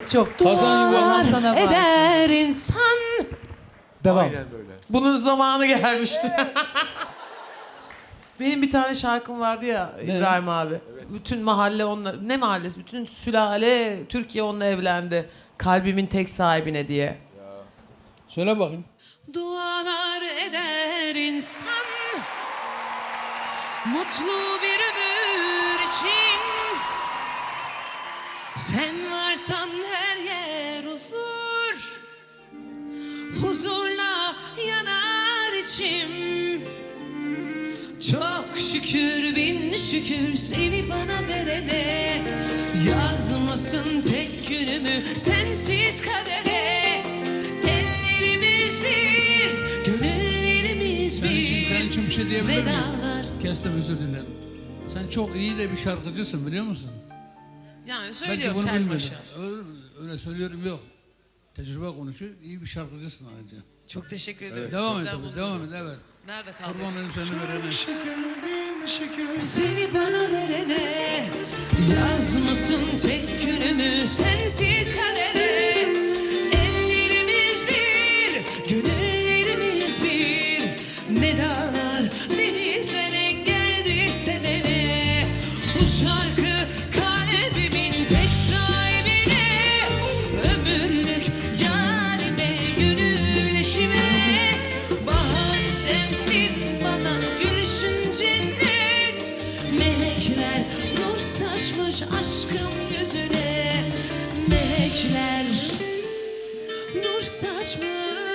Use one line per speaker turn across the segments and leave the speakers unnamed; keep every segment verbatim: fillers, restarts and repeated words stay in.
çok çok.
Kazan
Allah
yuvarlan
sana
eder insan.
Devam.
Aynen böyle.
Bunun zamanı gelmişti. Benim bir tane şarkım vardı ya İbrahim abi. Bütün mahalle onunla, ne mahallesi? Bütün sülale Türkiye onunla evlendi. Kalbimin tek sahibine diye.
Söyle bakayım.
Dualar eder insan mutlu bir ömür için. Sen varsan her yer huzur, huzurla yanar içim. Çok şükür bin şükür seni bana verene, yazmasın tek günümü sensiz kadere. Ellerimiz bir, gönüllerimiz
Senin için,
bir.
senin için bir şey diyebilir miyim?
Vedalar.
Kestim, özür dilerim. Sen çok iyi de bir şarkıcısın, biliyor musun?
Yani
Belki
söylüyorum
bunu
tel
bilmedin.
başa.
Öyle, öyle söylüyorum yok. Tecrübe konuşuyor. İyi bir şarkıcısın ayrıca.
Çok teşekkür ederim.
Devam et
Sizden
tabii,
bunu-
devam et, evet.
Nerede kaldı?
Kurban olayım seni verene.
Seni bana verene, yazmasın tek günümü sensiz kadere. Ellerimiz bir, gönüllerimiz bir. Ne dağlar denizler engeldir sevene. Bu şarkı kalbimin tek sahibine, ömürlük yarime, gönül eşime. Bahar sevsin bana gülüşün cennet. Melekler nur saçmış aşkım yüzüne. Melekler nur saçmış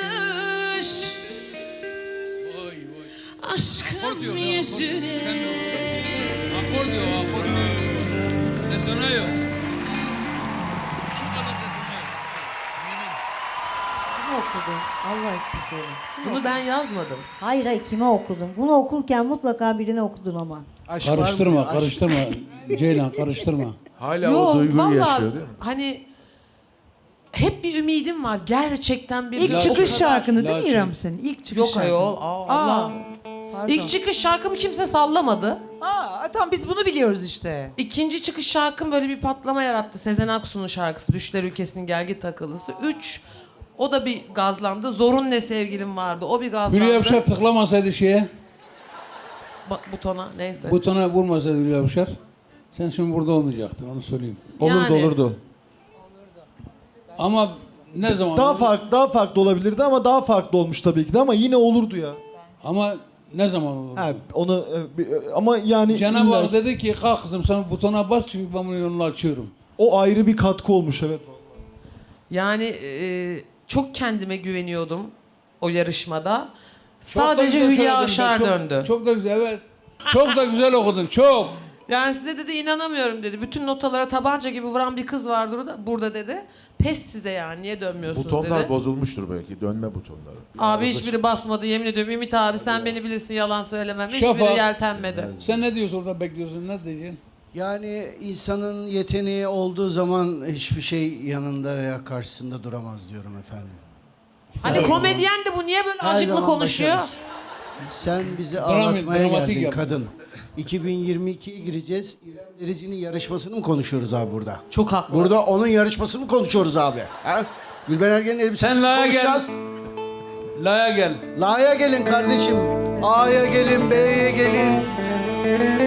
Vay vay. Akor
aşkım
diyor ya, akor.
yüzüne.
Sen de oku. Akor diyor, akor. Detone yok. Şu kadar detone yok. Yemin.
Kimi okudun? Allah için söyle.
Bunu ben yazmadım.
Hayır hayır kime okudun? Bunu okurken mutlaka birine okudun ama.
Aşk var mı
Karıştırma,
ya? Aşk.
karıştırma. Ceylan karıştırma.
Hala o
Yok
duyguyu
vallahi
yaşıyor değil mi?
hani hep bir ümidim var. Gerçekten bir...
İlk
La-
çıkış
o kadar-
şarkını değil mi
Lakin-
İrem senin? İlk çıkış
Yok
şarkın.
ayol. Aa, Allah.
Pardon.
İlk çıkış şarkımı kimse sallamadı.
Aa, tamam biz bunu biliyoruz işte.
İkinci çıkış şarkım böyle bir patlama yarattı. Sezen Aksu'nun şarkısı Düşler Ülkesi'nin Gelgit Takılısı. Üç, o da bir gazlandı. Zorun Ne Sevgilim vardı. O bir gazlandı.
Hülya Avşar tıklamasaydı şeye,
Ba- butona neyse.
butona vurmasaydı Hülya Avşar, sen şimdi burada olmayacaktın, onu söyleyeyim.
Olurdu
Yani-
olurdu.
Ama ne zaman
Daha
olur?
farklı daha farklı olabilirdi ama daha farklı olmuş tabii ki de ama yine olurdu ya.
Ama ne zaman olur?
Ha, onu e, bir- e, ama yani
Cenab-ı
illa-
Hak dedi ki kalk kızım sen butona bas çünkü ben bunun yolunu açıyorum.
o ayrı bir katkı olmuş evet.
Yani e, çok kendime güveniyordum o yarışmada.
Çok da
Sadece
güzel
Hülya
söyledin be,
Avşar
çok-
döndü.
Çok da güzel, evet. Çok da güzel okudun, çok.
Yani size dedi inanamıyorum dedi. Bütün notalara tabanca gibi vuran bir kız vardır orada, burada dedi. Pes size yani niye dönmüyorsunuz
Butonlar
dedi.
bozulmuştur belki. Dönme butonları.
Abi
Biraz
hiçbiri basmadı yemin ediyorum. Ümit abi sen beni bilirsin yalan söylemem. Hiçbiri
Şafak.
yeltenmedi.
Sen ne diyorsun orada bekliyorsun, ne diyeceksin?
Yani insanın yeteneği olduğu zaman hiçbir şey yanında veya karşısında duramaz diyorum efendim.
Hani komedyen de bu niye böyle
Her
acıklı
zaman
konuşuyor?
başarır. Sen bizi
Drama-
ağlatmaya
dramatik
geldin
yap.
kadın. iki bin yirmi ikiye gireceğiz. İrem Derici'nin yarışmasını mı konuşuyoruz abi burada?
Çok haklı.
Burada onun yarışmasını mı konuşuyoruz abi? Ha? Gülben Ergen'in elbisesini
Sen
mi
La'ya
konuşacağız?
La'ya gel.
La'ya gelin kardeşim. A'ya gelin, B'ye gelin.